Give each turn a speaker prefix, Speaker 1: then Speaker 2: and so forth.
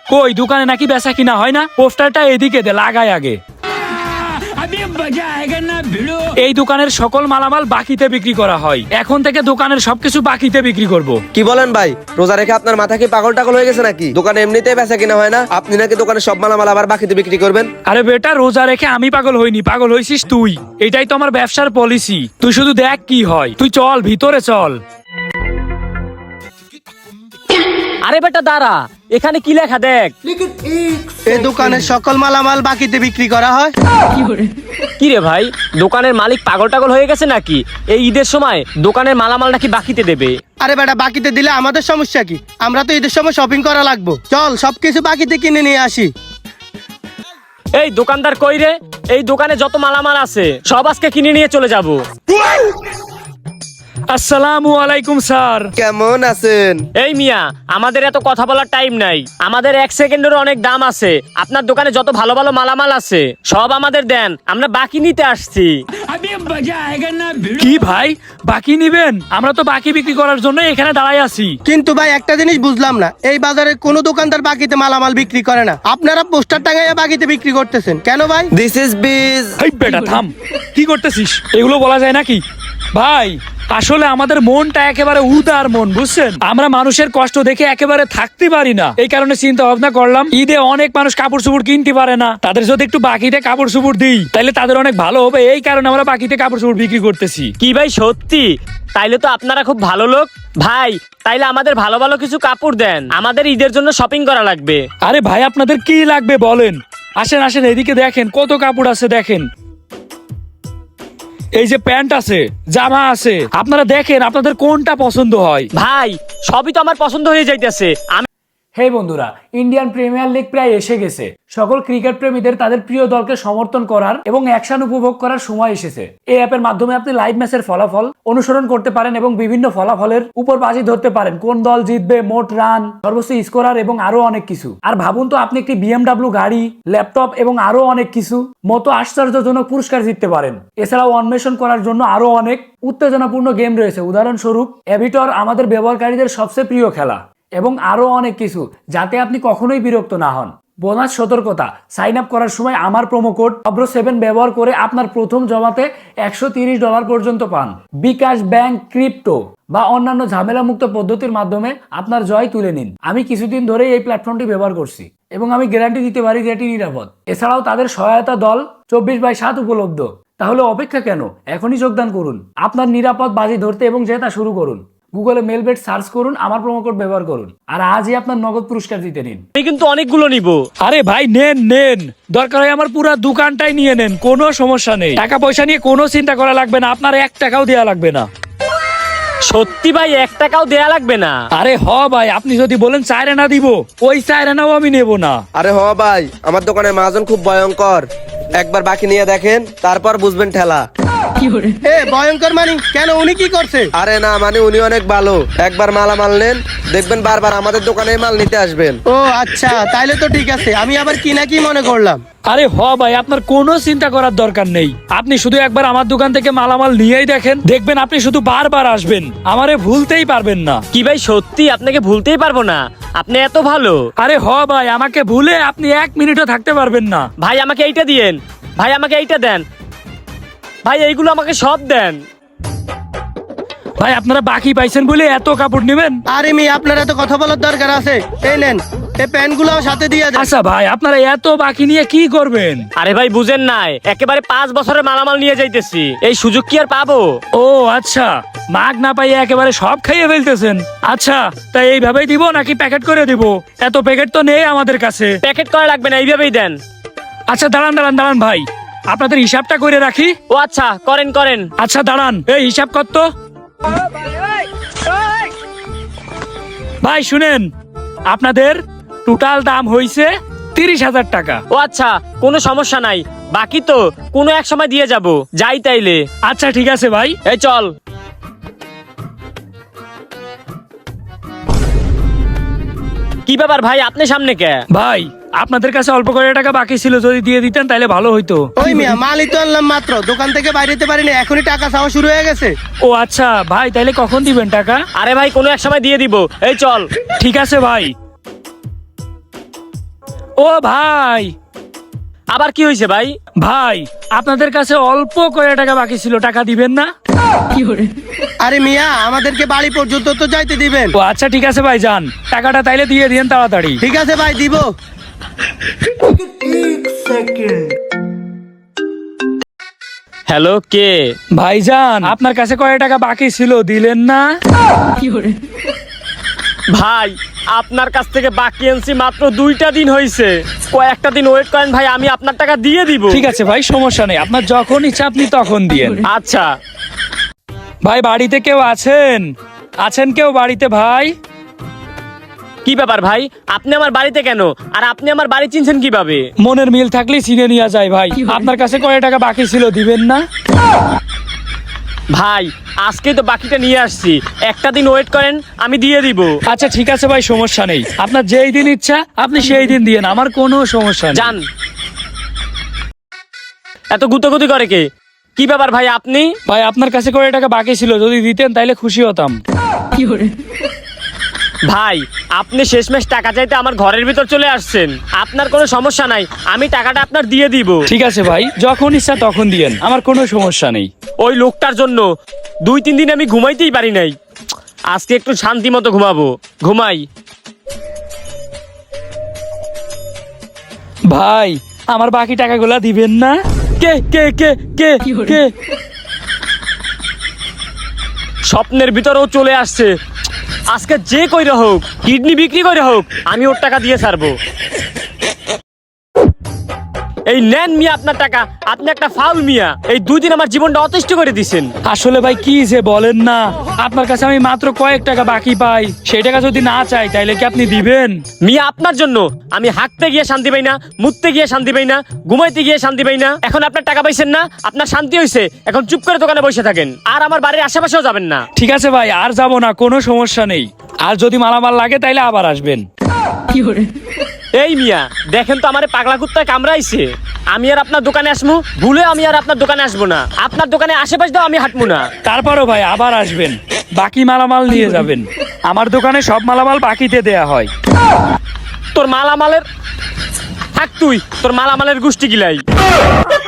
Speaker 1: কই দোকানে নাকি বেচা কিনা হয় না? পোস্টারটা এদিকে দে, লাগাই আগে। এই দোকানের সকল মালামাল বাকিতে বিক্রি করা হয়। এখন থেকে দোকানের সবকিছু বাকিতে বিক্রি করব।
Speaker 2: কি বলেন ভাই, রোজা রেখে আপনার মাথা কি পাগল টাগল হয়ে গেছে নাকি? দোকানে এমনিতেই বেচা কিনা হয় না, আপনি নাকি দোকানে সব মালামাল আবার বাকিতে বিক্রি করবেন?
Speaker 1: আরে বেটা, রোজা রেখে আমি পাগল হইনি, পাগল হইছিস তুই। এটাই তো আমার ব্যবসার পলিসি। তুই শুধু দেখ কি হয়। তুই চল ভিতরে চল।
Speaker 3: আরে বেটা দাঁড়া, এখানে কি লেখা দেখ।
Speaker 4: এই দোকানের সকল মালামাল বাকিতে বিক্রি করা হয়।
Speaker 3: কি রে ভাই, দোকানের মালিক পাগল টাগল হয়ে গেছে নাকি? এই ঈদের সময় দোকানের মালামাল নাকি বাকিতে দেবে?
Speaker 4: আরে বেটা, বাকিতে দিলে আমাদের সমস্যা কি? আমরা তো ঈদের সময় শপিং করা লাগবো। চল সবকিছু বাকিতে কিনে নিয়ে আসি।
Speaker 3: এই দোকানদার কই রে? এই দোকানে যত মালামাল আছে সব আজকে কিনে নিয়ে চলে যাব।
Speaker 1: আসসালামু আলাইকুম স্যার।
Speaker 2: কেমন আছেন?
Speaker 3: এই মিয়া, আমাদের এত কথা বলার টাইম নাই। আমাদের 1 সেকেন্ডেরও অনেক দাম আছে। আপনার দোকানে যত ভালো ভালো মালামাল আছে সব আমাদের দেন, আমরা বাকি নিতে আসছি।
Speaker 1: কি ভাই, বাকি নিবেন? আমরা তো বাকি বিক্রি করার জন্য এখানে দাঁড়াই আছি।
Speaker 4: কিন্তু ভাই একটা জিনিস বুঝলাম না, এই বাজারে কোনো দোকানদার বাকিতে মালামাল বিক্রি করে না। আপনারা পোস্টার টাঙাইয়া বাকিতে বিক্রি করতেছেন কেন ভাই?
Speaker 2: দিস ইজ বিজ।
Speaker 1: এই বেটা থাম, কি করতেছিস? এগুলো বলা যায় নাকি? ভাই আসলে আমাদের মনটা একেবারে উদার মন, বুঝছেন? আমরা মানুষের কষ্ট দেখে একেবারে থাকতে পারি না। এই কারণে চিন্তা ভাবনা করলাম, ঈদে অনেক মানুষ কাপড় চোপড় কিনতে পারে না, তাদের যদি একটু বাকিতে কাপড় চোপড় দিই তাহলে তাদের অনেক ভালো হবে। এই কারণে আমরা বাকিতে কাপড় চোপড় বিক্রি করতেছি।
Speaker 3: কি ভাই সত্যি? তাইলে তো আপনারা খুব ভালো লোক ভাই। তাইলে আমাদের ভালো ভালো কিছু কাপড় দেন, আমাদের ঈদের জন্য শপিং করা লাগবে।
Speaker 1: আরে ভাই, আপনাদের কি লাগবে বলেন? আসেন আসেন, এদিকে দেখেন কত কাপড় আছে। দেখেন এই যে প্যান্ট আছে, জামা আছে, আপনারা দেখেন আপনাদের কোনটা পছন্দ হয়।
Speaker 3: ভাই সবই তো আমার পছন্দ হয়ে যাইতেছে। আমি
Speaker 1: হে বন্ধুরা, ইন্ডিয়ান প্রিমিয়ার লিগ প্রায় এসে গেছে। সকল ক্রিকেট প্রেমীদের তাদের প্রিয় দলকে সমর্থন করার এবং অ্যাকশন উপভোগ করার সময় এসেছে। এই অ্যাপের মাধ্যমে আপনি লাইভ ম্যাচের ফলাফল অনুসরণ করতে পারেন এবং বিভিন্ন ফলাফলের উপর বাজি ধরতে পারেন। কোন দল জিতবে, মোট রান, সর্বোচ্চ স্কোরার এবং আরো অনেক কিছু। আর ভাবুন তো, আপনি একটি BMW গাড়ি, ল্যাপটপ এবং আরো অনেক কিছু মতো আশ্চর্যজনক পুরস্কার জিততে পারেন। এছাড়াও অন্বেষণ করার জন্য আরো অনেক উত্তেজনাপূর্ণ গেম রয়েছে। উদাহরণস্বরূপ এভিটর, আমাদের ব্যবহারকারীদের সবচেয়ে প্রিয় খেলা, এবং আরো অনেক কিছু, যাতে আপনি কখনোই বিরক্ত না হন। বোনাস সতর্কতা, সাইন আপ করার সময় আমার প্রোমো কোড অব্র7 ব্যবহার করে আপনার প্রথম জমাতে $130 পর্যন্ত পান। বিকাশ, ব্যাংক, ক্রিপ্টো বা অন্যান্য ঝামেলামুক্ত পদ্ধতির মাধ্যমে আপনার জয় তুলে নিন। আমি কিছুদিন ধরেই এই প্ল্যাটফর্মটি ব্যবহার করছি এবং আমি গ্যারান্টি দিতে পারি যে এটি নিরাপদ। এছাড়াও তাদের সহায়তা দল 24/7 উপলব্ধ। তাহলে অপেক্ষা কেন? এখনই যোগদান করুন। আপনার নিরাপদ বাজি ধরতে এবং জেতা শুরু করুন। গুগলে মেলবেট সার্চ করুন, আমার প্রোমো কোড ব্যবহার করুন, আর আজই আপনার নগদ পুরস্কার জিতে নিন।
Speaker 3: কিন্তু অনেকগুলো নিব।
Speaker 1: আরে ভাই নেন নেন, দরকার হয় আমার পুরো দোকানটাই নিয়ে নেন, কোনো সমস্যা নেই। টাকা পয়সা নিয়ে কোনো চিন্তা করা লাগবে না, আপনার 1 টাকাও দেওয়া লাগবে না।
Speaker 3: সত্যি ভাই, 1 টাকাও দেয়া লাগবে না?
Speaker 1: আরে হ ভাই, আপনি যদি বলেন 4 আনা দিব, ওই 4 আনাও আমি নেব না।
Speaker 2: আরে হ ভাই, আমার দোকানের মহাজন খুব ভয়ঙ্কর। একবার বাকি নিয়ে দেখেন, তারপর বুঝবেন ঠেলা।
Speaker 4: এ ভয়ঙ্কর মানি কেন? উনি কি করছে?
Speaker 2: আরে না, মানে উনি অনেক ভালো। একবার মালামাল নেন, দেখবেন বারবার আমাদের দোকানে মাল নিতে আসবেন।
Speaker 4: ও আচ্ছা, তাইলে তো ঠিক আছে। আমি আবার কি না কি মনে করলাম।
Speaker 1: আরে হ ভাই, আপনার কোনো চিন্তা করার দরকার নেই। আপনি শুধু একবার আমার দোকান থেকে মালামাল নিয়েই দেখেন, দেখবেন আপনি শুধু বারবার আসবেন, আমারে ভুলতেই পারবেন না।
Speaker 3: কি ভাই সত্যি? আপনাকে ভুলতেই পারবো না, আপনি এত ভালো।
Speaker 1: আরে হ ভাই, আমাকে ভুলে আপনি 1 মিনিটও থাকতে পারবেন না।
Speaker 3: ভাই আমাকে এইটা দিয়েন, ভাই আমাকে এইটা দেন, ভাই এইগুলো আমাকে সব দেন।
Speaker 1: ভাই আপনারা বাকি পাইছেন বলে এত কাপড় নেবেন?
Speaker 4: আরে মি, আপনার এত কথা বলার দরকার আছে? এই নেন, এই প্যান্ট গুলো সাথে দিয়ে দেন।
Speaker 1: আচ্ছা ভাই, আপনারা এত বাকি নিয়ে কি করবেন?
Speaker 3: আরে ভাই বুঝেন নাই, একেবারে 5 বছরের মালামাল নিয়ে যাইতেছি, এই সুযোগ কি আর পাবো?
Speaker 1: ও আচ্ছা, মাগ না পাইয়ে একেবারে সব খাইয়ে ফেলতেছেন। আচ্ছা, তাই এইভাবেই দিব নাকি প্যাকেট করে দিব? এত প্যাকেট তো নেই আমাদের কাছে।
Speaker 3: প্যাকেট করা লাগবে না, এইভাবেই দেন।
Speaker 1: আচ্ছা দাঁড়ান দাঁড়ান দাঁড়ান ভাই, আপনাদের হিসাবটা করে রাখি।
Speaker 3: ও আচ্ছা, করেন করেন।
Speaker 1: আচ্ছা দাঁড়ান, এই হিসাব কত? ভাই শুনেন, আপনাদের টোটাল দাম হইছে 30,000 টাকা।
Speaker 3: ও আচ্ছা, কোনো সমস্যা নাই, বাকি তো কোনো এক সময় দিয়ে যাব, যাই তাইলে।
Speaker 1: আচ্ছা ঠিক আছে ভাই।
Speaker 3: এই চল। কি ব্যাপার ভাই, আপনি সামনে কে?
Speaker 1: ভাই আপনাদের কাছে অল্প করে টাকা বাকি ছিল, যদি দিয়ে দিতেন তাহলে ভালো হইতো।
Speaker 4: ওই মিয়া, মালই তো আনলাম মাত্র, দোকান থেকে বাইরেতে পারিনি, এখনই টাকা চাওয়া শুরু হয়ে গেছে।
Speaker 1: ও আচ্ছা ভাই, তাইলে কখন দিবেন টাকা?
Speaker 3: আরে ভাই কোনো এক সময় দিয়ে দিব, এই চল।
Speaker 1: ঠিক আছে ভাই। ও ভাই,
Speaker 3: আবার কি হয়েছে ভাই?
Speaker 1: ভাই আপনাদের কাছে অল্প করে টাকা বাকি ছিল, টাকা দিবেন না?
Speaker 4: আরে মিয়া, আমাদেরকে বাড়ি পর্যন্ত তো যাইতে দিবেন।
Speaker 1: ও আচ্ছা ঠিক আছে ভাই, যান টাকাটা তাইলে দিয়ে দিন তাড়াতাড়ি।
Speaker 4: ঠিক আছে ভাই, দিব।
Speaker 3: হ্যালো, কে?
Speaker 1: ভাইজান আপনার কাছে কয় টাকা বাকি ছিল, দিলেন না?
Speaker 3: ভাই আপনার কাছ থেকে বাকি আনছি মাত্র 2টা দিন হয়েছে, কয়েকটা দিন ওয়েট করেন ভাই, আমি আপনার টাকা দিয়ে দিব।
Speaker 1: ঠিক আছে ভাই, সমস্যা নেই, আপনার যখন ইচ্ছা আপনি তখন দিয়েন।
Speaker 3: আচ্ছা।
Speaker 1: ভাই বাড়িতে কেউ আছেন? আছেন কেউ বাড়িতে ভাই?
Speaker 3: কি ব্যাপার ভাই, আপনি আমার বাড়িতে কেন, আর আপনি আমার বাড়ি চিনছেন কিভাবে?
Speaker 1: মনের মিল থাকলে চিনে নিয়ে যায় ভাই। আপনার কাছে কয় টাকা বাকি ছিল, দিবেন না?
Speaker 3: ভাই আজকেই তো বাকিটা নিয়ে আসছি, একটা দিন ওয়েট করেন, আমি দিয়ে দিব।
Speaker 1: আচ্ছা ঠিক আছে ভাই, সমস্যা নেই, আপনার যেই দিন ইচ্ছা আপনি সেই দিন দিয়েন, আমার কোনো সমস্যা নেই।
Speaker 3: যান। এত গুতগুতি করে কে? কি ব্যাপার ভাই আপনি?
Speaker 1: ভাই আপনার কাছে কয় টাকা বাকি ছিল, যদি দিতেন তাইলে খুশি হতাম।
Speaker 3: ভাই আপনি শেষমেশ টাকা চাইতে আমার ঘরের ভিতর চলে আসছেন, আপনার কোনো সমস্যা নাই, আমি টাকাটা আপনার দিয়ে দিব।
Speaker 1: ঠিক আছে ভাই, যখন ইচ্ছা তখন দিয়েন, আমার কোনো সমস্যা নেই।
Speaker 3: ওই লোকটার জন্য 2-3 দিন আমি ঘুমাইতেই পারি নাই, আজকে একটু শান্তি মতো ঘুমাবো, ঘুমাই।
Speaker 1: ভাই আমার বাকি টাকাগুলা দিবেন না?
Speaker 3: কে কে কে কে কে? স্বপ্নের ভিতরেও চলে আসছে, আজকে যে কইরা হোক, কিডনি বিক্রি করে হোক, আমি ওর টাকা দিয়ে ছাড়বো। এই নেন মিয়া আপনার টাকা, আপনি একটা ফাউল মিয়া, এই 2 দিন আমার জীবনটা অতিষ্ঠ করে দিছেন।
Speaker 1: আসলে ভাই কি যে বলেন না, আপনার কাছে আমি মাত্র কয়েক টাকা বাকি পাই, সেই টাকা যদি না চাই তাইলে কি আপনি দিবেন?
Speaker 3: মিয়া আপনার জন্য আমি হাঁকতে গিয়ে শান্তি পাই না, মুততে গিয়ে শান্তি পাই না, ঘুমাইতে গিয়ে শান্তি পাই না। এখন আপনার টাকা পাইছেন না, আপনার শান্তি হয়েছে, এখন চুপ করে দোকানে বসে থাকেন, আর আমার বাড়ির আশেপাশেও যাবেন না।
Speaker 1: ঠিক আছে ভাই, আর যাব না, কোনো সমস্যা নেই, আর যদি মালামাল লাগে তাইলে আবার আসবেন।
Speaker 3: এই মিয়া দেখেন তো আমারে পাগলা কুত্তায় কামড়াইছে, আমি আর আপনার দোকানে আসবো ভুলে, আমি আর আপনার দোকানে আসবো না, আপনার দোকানে আশেপাশ দাও আমি হাঁটবো না।
Speaker 1: তারপরও ভাই আবার আসবেন, বাকি মালামাল নিয়ে যাবেন, আমার দোকানে সব মালামাল বাকিতে দেয়া হয়।
Speaker 3: তোর মালামালের থাক, তুই তোর মালামালের গোষ্ঠী গিলাই।